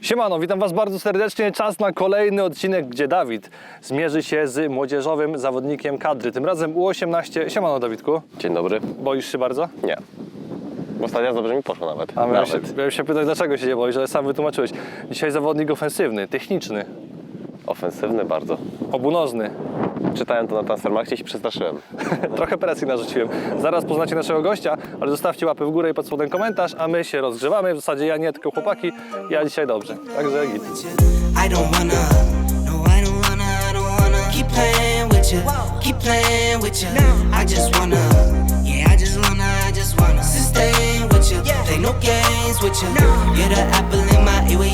Siemano, witam Was bardzo serdecznie. Czas na kolejny odcinek, gdzie Dawid zmierzy się z młodzieżowym zawodnikiem kadry. Tym razem U18. Siemano, Dawidku. Dzień dobry. Boisz się bardzo? Nie. Ostatnio dobrze mi poszło nawet. A miałem się pytać, dlaczego się nie boisz, ale sam wytłumaczyłeś. Dzisiaj zawodnik ofensywny, techniczny, Ofensywny bardzo. obunożny. Czytałem to na Transfermarkcie i się przestraszyłem. Trochę presji narzuciłem. Zaraz poznacie naszego gościa, ale zostawcie łapę w górę i pod spodem komentarz, a my się rozgrzewamy. W zasadzie ja nie, tylko chłopaki. Ja dzisiaj dobrze. Także git. I don't wanna, no I don't wanna keep playing with you, keep playing with you. I just wanna, yeah I just wanna sustain with you, play no games with you. You're the apple in my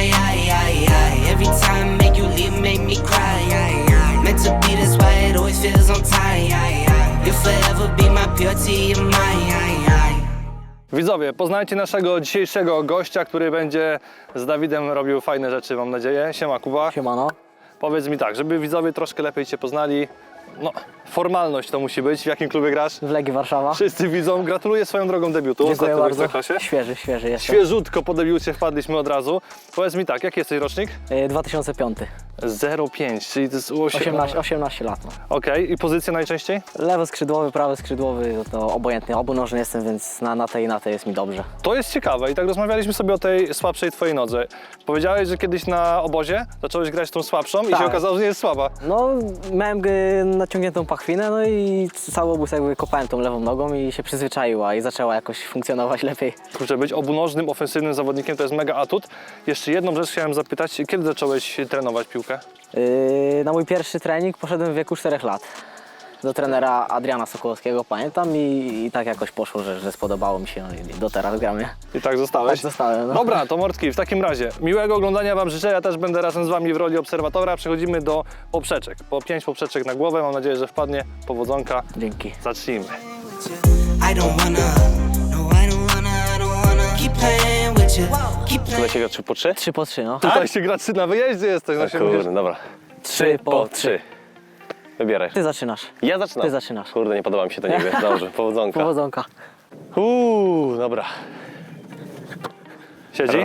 eye. Every time make you leave, make me cry. Meant to be this way, it always feels on time. You'll forever be my purity of mine. Widzowie, poznajcie naszego dzisiejszego gościa, który będzie z Dawidem robił fajne rzeczy, mam nadzieję. Siema, Kuba. Siemano. Powiedz mi tak, żeby widzowie troszkę lepiej Cię poznali. No, formalność to musi być. W jakim klubie grasz? W Legii Warszawa. Wszyscy widzą. Gratuluję swoją drogą debiutu. Dziękuję Ostatnio w bardzo. Ekstraklasie. Świeży jestem. Świeżutko po debiucie wpadliśmy od razu. Powiedz mi tak, jaki jesteś rocznik? 2005. 05, czyli to jest 18 lat. No. Okej, i pozycja najczęściej? Lewy skrzydłowy, prawy skrzydłowy, to obojętnie. Obunożny jestem, więc na tej jest mi dobrze. To jest ciekawe i tak rozmawialiśmy sobie o tej słabszej Twojej nodze. Powiedziałeś, że kiedyś na obozie zacząłeś grać tą słabszą i Tak. się okazało, że nie jest słaba. No, miałem naciągniętą pachwinę, no i cały obóz jakby kopałem tą lewą nogą i się przyzwyczaiła i zaczęła jakoś funkcjonować lepiej. Kurczę, być obunożnym, ofensywnym zawodnikiem to jest mega atut. Jeszcze jedną rzecz chciałem zapytać, kiedy zacząłeś trenować piłkę? Na mój pierwszy trening poszedłem w wieku 4 lat. Do trenera Adriana Sokołowskiego, pamiętam, i tak jakoś poszło, że spodobało mi się, no i do teraz gramy. I tak zostałeś? Tak zostałem, no. Dobra, to mordki, w takim razie miłego oglądania Wam życzę, ja też będę razem z Wami w roli obserwatora. Przechodzimy do poprzeczek. Po 5 poprzeczek na głowę, mam nadzieję, że wpadnie. Powodzonka. Dzięki. Zacznijmy. I don't wanna, no I don't wanna keep playing with you, keep Tutaj playing. się gra 3 po 3? 3 po 3, no. Tutaj się gra 3 na wyjeździe jesteś. No się Kurde, musisz... dobra. 3 po 3. Wybieraj. Ty zaczynasz. Ja zaczynam. Ty zaczynasz. Kurde, nie podoba mi się to nigdy. Dobrze, powodzonka. Powodzonka. Dobra. Siedzi?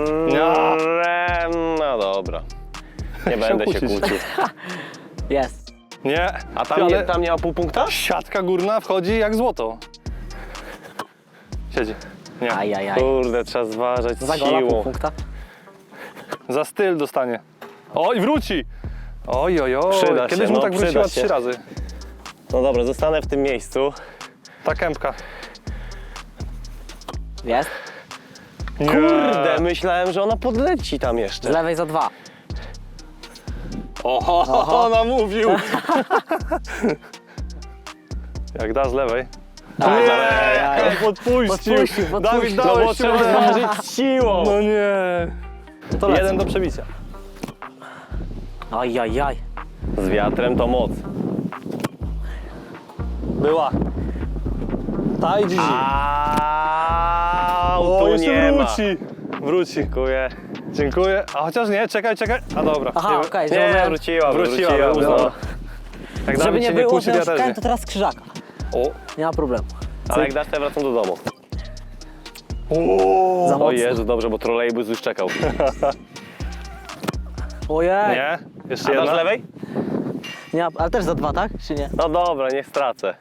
No dobra. Nie będę się kłócić. kłócił. Jest. Nie. A tam, Ale tam nie ma pół punkta? siatka górna wchodzi jak złoto. Siedzi. Nie. Ajajaj. Kurde, trzeba zważać Za z gola pół siłą. punkta. Za styl dostanie. O, i wróci! Oj, oj, oj. Przyda Kiedyś się, mu no, tak przyda wróciła się. 3 razy. No dobra, zostanę w tym miejscu. Ta kępka. Jest. Kurde, myślałem, że ona podleci tam Z jeszcze. lewej za 2. Oho, namówił! Jak da z lewej. Ajajaj. Podpuścił. Podpuścił. Dawid, No bo dałeś trzeba się. zważyć siłą. No nie. To lecę. 1 do przebicia. Ajajaj. Z wiatrem to moc. Była. Ta i dziś. O, O, tu jeszcze nie ma. wróci. Wróci. Dziękuję. Dziękuję. A chociaż nie, czekaj. A dobra. Aha, Nie, okej. Nie, wróciła. uznała. Jak Żeby Dawid nie się było, kłóci, że ja ja też szukałem, nie. to teraz krzyżaka. O. Nie ma problemu. Ale jak dasz, to ja wracam do domu. Za O mocno. Jezu, dobrze, bo trolejbus już czekał. Ojej. Nie. Jeszcze A dasz jedna. z lewej? Nie, ale też za 2, tak? Czy nie? No dobra, nie stracę.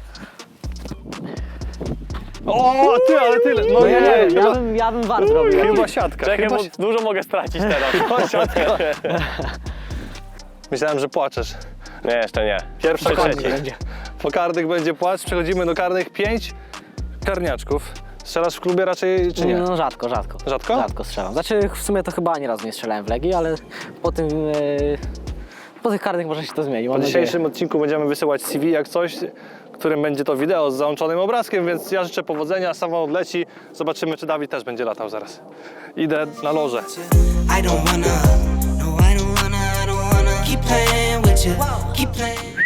O, ty, ale tyle. No nie, Ja bym war zrobił. chyba siatka. Czekaj, Chyba bo dużo mogę stracić teraz. siatka. Myślałem, że płaczesz. Nie, jeszcze nie. Pierwsza Po karnych trzeci. będzie. Po karnych będzie płacz. Przechodzimy do karnych. 5 karniaczków. Strzelasz w klubie raczej, czy nie? No rzadko. Rzadko? Rzadko strzelam. Znaczy w sumie to chyba ani razu nie strzelałem w Legii, ale po tym... po tych karnych może się to zmieni. Po Mam nadzieję. dzisiejszym odcinku będziemy wysyłać CV jak coś, którym będzie to wideo z załączonym obrazkiem, więc ja życzę powodzenia, sama odleci. Zobaczymy, czy Dawid też będzie latał zaraz. Idę na loże. I don't wanna, no I don't wanna keep playing with you, keep playing.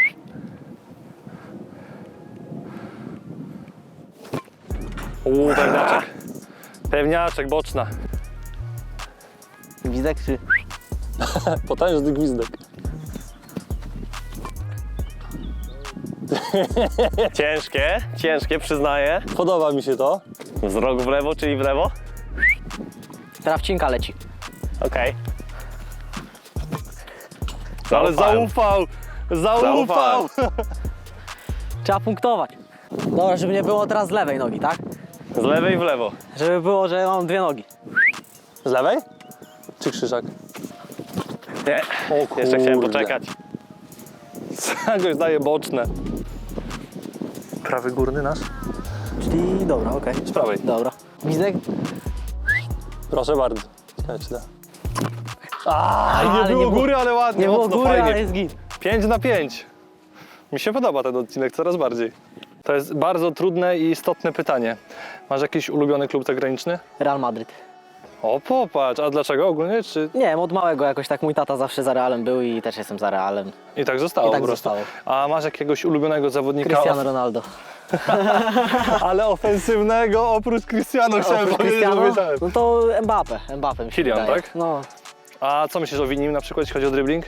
Pewniaczek. Pewniaczek, boczna. Gwizdek czy... Potężny gwizdek. Ciężkie, przyznaję. Podoba mi się to. Z rogu w lewo, czyli w lewo? Trawcinka leci. Okej. Ale zaufał! Zaufał! Trzeba punktować. Dobra, żeby nie było teraz z lewej nogi, tak? Z lewej w lewo. Żeby było, że mam dwie nogi. Z lewej? Czy krzyżak? Nie. O Jeszcze chciałem kurde. poczekać. Jakoś daje boczne. Prawy górny nasz? Czyli dobra, okej. Z prawej. Dobra. Gwizdek? Proszę bardzo. Ciekawe, czy da. Nie ale było nie góry, ale ładnie, Nie było mocno, góry, fajnie. ale jest git. 5/5. Mi się podoba ten odcinek coraz bardziej. To jest bardzo trudne i istotne pytanie. Masz jakiś ulubiony klub zagraniczny? Real Madryt. O, popatrz, a dlaczego ogólnie? Czy Nie wiem, od małego jakoś tak mój tata zawsze za Realem był i też jestem za Realem. i tak zostało I tak po prostu? zostało. A masz jakiegoś ulubionego zawodnika, Cristiano Ronaldo. ale ofensywnego oprócz Cristiano chciałem Oprócz powiedzieć, Cristiano? że wiedziałem. No to Mbappé mi się Kylian, wydaje. tak? No, A co myślisz o Winim na przykład, jeśli chodzi o dribbling?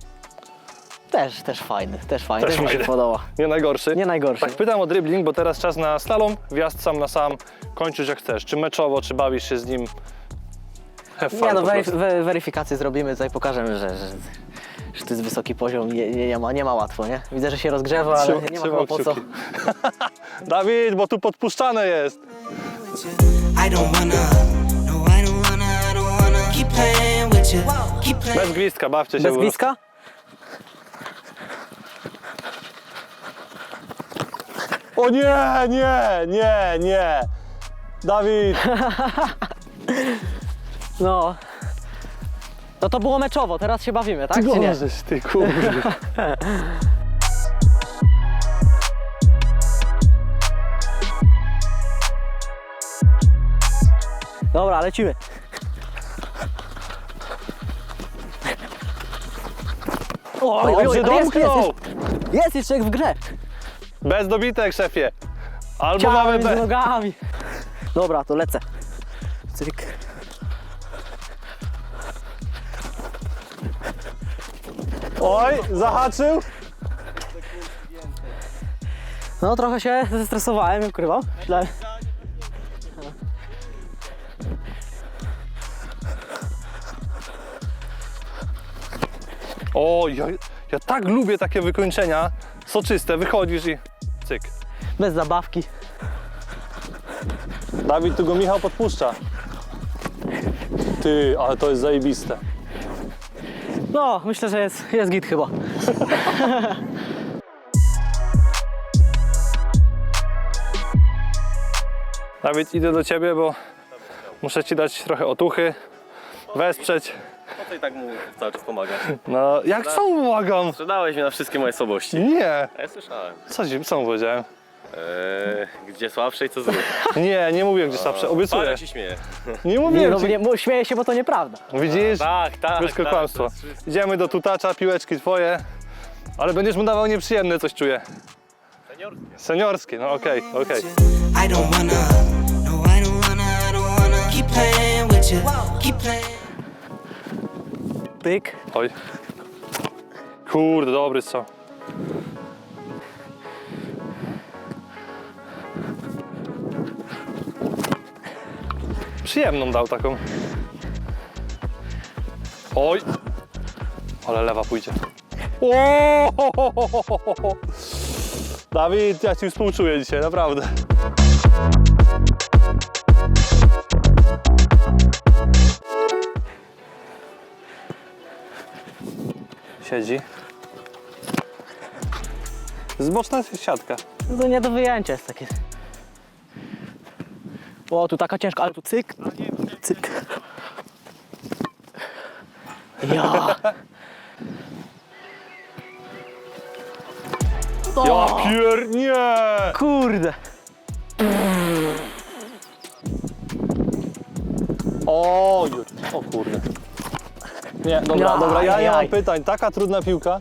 też fajny, też Też mi się fajny. podoba. Nie najgorszy? Nie najgorszy. Tak pytam o dribbling, bo teraz czas na slalom, wjazd sam na sam, kończysz jak chcesz. Czy meczowo, czy bawisz się z nim? Have fun Nie no, po prostu. weryfikację zrobimy, tutaj pokażemy, że to jest wysoki poziom, nie ma łatwo, nie? Widzę, że się rozgrzewa, ale nie ma Trzymał chyba po co. kciuki. Dawid, bo tu podpuszczane jest. I don't wanna, no, I don't wanna keep playing with you, keep playing. Bez gwizdka, bawcie się. Bez po prostu. bliska? O nie! Dawid! No. No to było meczowo, teraz się bawimy, tak? Czy nie? Możesz, ty kurde. Dobra, lecimy. Oj, Dobrze domknął! Jest jeszcze jak w grze. Bez dobitek, szefie. Albo Ciałem mamy między bez. nogami. Dobra, to lecę. Cyk. Oj, zahaczył. No trochę się zestresowałem, nie ukrywam. Myślałem. O, ja tak lubię takie wykończenia. Soczyste, wychodzisz i cyk. Bez zabawki. Dawid, tu go Michał podpuszcza. Ty, ale to jest zajebiste. No, myślę, że jest git chyba. Dawid, idę do ciebie, bo muszę ci dać trochę otuchy, wesprzeć. Po co i tak mu cały czas pomagasz? No, jak co mu pomagam? Sprzedałeś mnie na wszystkie moje słabości. Nie. A ja słyszałem. Co mu powiedziałem? Gdzie słabsze i co zrób. Nie mówię gdzie słabsze, obiecuję. Parę się śmieje. Nie Nie, mówiłem no, ci. nie, śmieję się, bo to nieprawda. Widzisz? Tak. Wszystko kłamstwo. to jest wszystko. Idziemy do tutacza, piłeczki twoje. Ale będziesz mu dawał nieprzyjemne, coś czuję. Seniorskie, no okej. I don't wanna, no, I don't wanna keep playing with you, keep playing. Pyk. Oj. Kurde, dobry strzał. Przyjemną dał taką. Oj. Ale lewa pójdzie. O! Dawid, ja ci współczuję dzisiaj, naprawdę. Siedzi. Zboczna jest siatka. No to nie do wyjęcia jest takie. O, tu taka ciężka, ale tu cyk. Cyk. Ja. Ja nie! Kurde. O kurde. Nie, dobra, ja nie mam Ajajaj. pytań. Taka trudna piłka.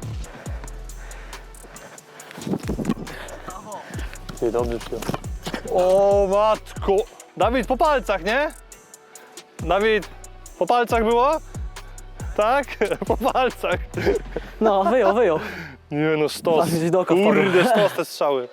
Ty, dobrze przyjął. O matko! Dawid, po palcach, nie? Dawid, po palcach było? Tak? Po palcach. No, wyjął. Nie no, sztos. Aż gdzieś do oka Kurde, wpadło. sztos te strzały.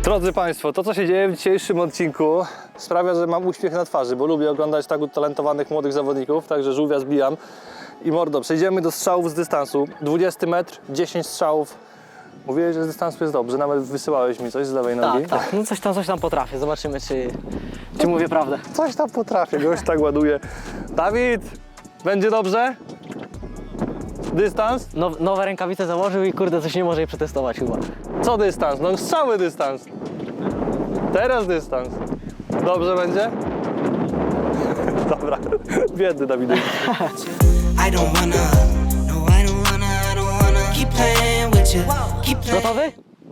Drodzy Państwo, to co się dzieje w dzisiejszym odcinku sprawia, że mam uśmiech na twarzy, bo lubię oglądać tak utalentowanych młodych zawodników, także żółwia zbijam. I mordo, przejdziemy do strzałów z dystansu. 20 metr, 10 strzałów. Mówiłeś, że z dystansu jest dobrze, nawet wysyłałeś mi coś z lewej nogi. Tak, tak. No coś tam potrafię. Zobaczymy, czy mówię prawdę. Coś tam potrafię, gość tak ładuje. Dawid, będzie dobrze? Dystans? Nowe rękawice założył i kurde, coś nie może jej przetestować chyba. Co dystans? No strzały dystans. Teraz dystans. Dobrze będzie? Dobra, biedny Dawidek. I don't wanna, no, I don't wanna keep playing with you, keep playing. Gotowy?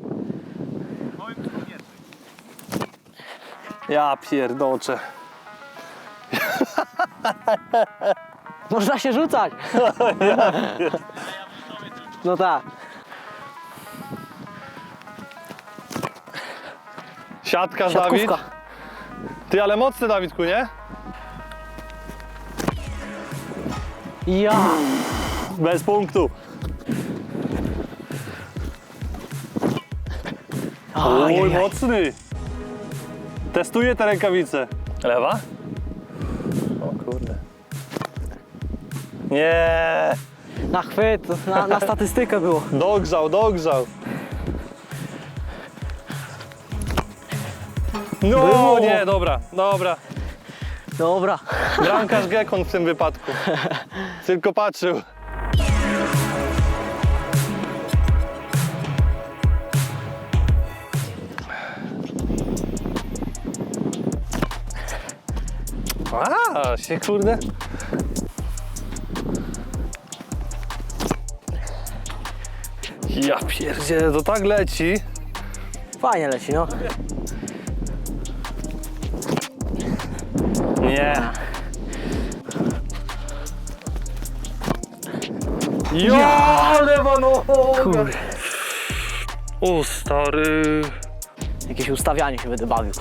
Ja pierdoczę. Można się rzucać. No tak. Siatka, Dawid. Siatkówka. Ty, ale mocny Dawidku, nie? Ja. Bez punktu. Oj, Ajajaj. mocny. Testuję te rękawice. Lewa? O kurde. Nie. Na chwyt, na statystykę było. Dogrzał, dogrzał. No Było. nie, dobra, dobra. Dobra. Bramkarz Gekon w tym wypadku. Tylko patrzył. A, się kurde. Ja pierdzielę, to tak leci. Fajnie leci, no. Nie. Ja, lewa noga. Kurde. O stary. Jakieś ustawianie się będę bawił.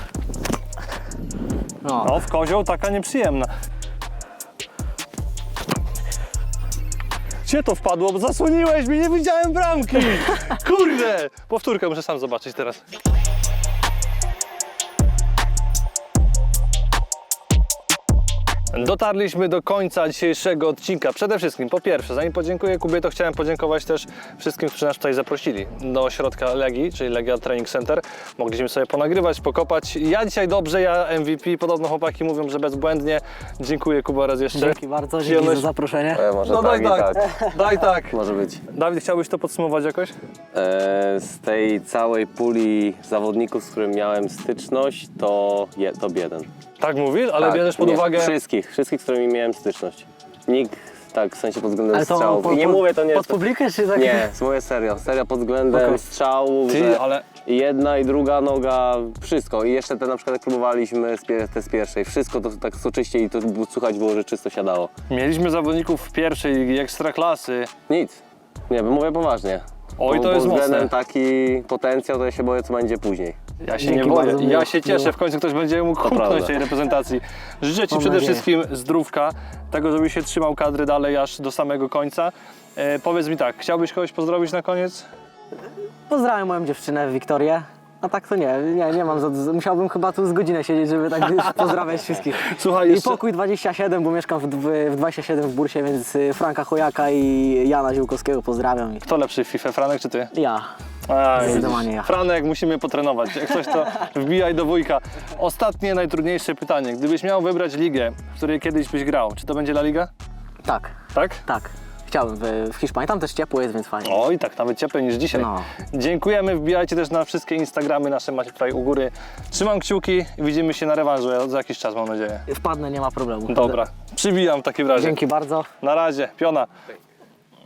No. No, w kozioł taka nieprzyjemna. Gdzie to wpadło? Bo zasłoniłeś mi, nie widziałem bramki. Kurde. Powtórkę muszę sam zobaczyć teraz. Dotarliśmy do końca dzisiejszego odcinka. Przede wszystkim, po pierwsze, zanim podziękuję Kubie, to chciałem podziękować też wszystkim, którzy nas tutaj zaprosili do ośrodka Legii, czyli Legia Training Center. Mogliśmy sobie ponagrywać, pokopać. Ja dzisiaj dobrze, ja MVP, podobno chłopaki mówią, że bezbłędnie. Dziękuję Kuba raz jeszcze. Dzięki bardzo, dzięki Przyjemność. za zaproszenie. Może No tak daj i tak, tak. daj tak. Może być. Dawid, chciałbyś to podsumować jakoś? Z tej całej puli zawodników, z którym miałem styczność, to top 1. Tak mówisz, ale Tak, bierzesz pod nie, uwagę... Wszystkich, z którymi miałem styczność. Nikt, tak, w sensie pod względem Ale to strzałów. I nie mówię, to nie pod jest... publikę czy tak? Nie, mówię serio pod względem Okej. strzałów, Ty, że ale... i jedna i druga noga, wszystko. I jeszcze te na przykład jak próbowaliśmy te z pierwszej, wszystko to tak soczyście i to słuchać było, że czysto siadało. Mieliśmy zawodników w pierwszej ligi ekstraklasy. Nic. Nie, mówię poważnie. Oj, to Pod jest względem mocne. taki potencjał, to ja się boję, co będzie później. Ja się Dzięki nie boję. bardzo, miło. Ja się cieszę, Miło. w końcu ktoś będzie mógł humknąć prawda. tej reprezentacji. Życzę Ci Mam przede nadzieję. wszystkim zdrówka, tego, żebyś się trzymał kadry dalej aż do samego końca. Powiedz mi tak, chciałbyś kogoś pozdrowić na koniec? Pozdrawiam moją dziewczynę Wiktorię. A tak to nie mam musiałbym chyba tu z godzinę siedzieć, żeby tak pozdrawiać wszystkich. Słuchaj, I jeszcze... pokój 27, bo mieszkam w 27 w Bursie, więc Franka Chojaka i Jana Ziółkowskiego pozdrawiam. Kto lepszy w FIFA, Franek czy Ty? Ja. Aj, Zdecydowanie ja. Franek, musimy potrenować. Jak coś, to wbijaj do wujka. Ostatnie, najtrudniejsze pytanie. Gdybyś miał wybrać ligę, w której kiedyś byś grał, czy to będzie La Liga? Tak, Tak? tak. Chciałbym w Hiszpanii. Tam też ciepło jest, więc fajnie. Oj, tak, nawet cieplej niż dzisiaj. No. Dziękujemy, wbijajcie też na wszystkie Instagramy nasze, macie tutaj u góry. Trzymam kciuki i widzimy się na rewanżu za jakiś czas, mam nadzieję. Wpadnę, nie ma problemu. Dobra, przybijam w takim razie. Dzięki bardzo. Na razie, piona.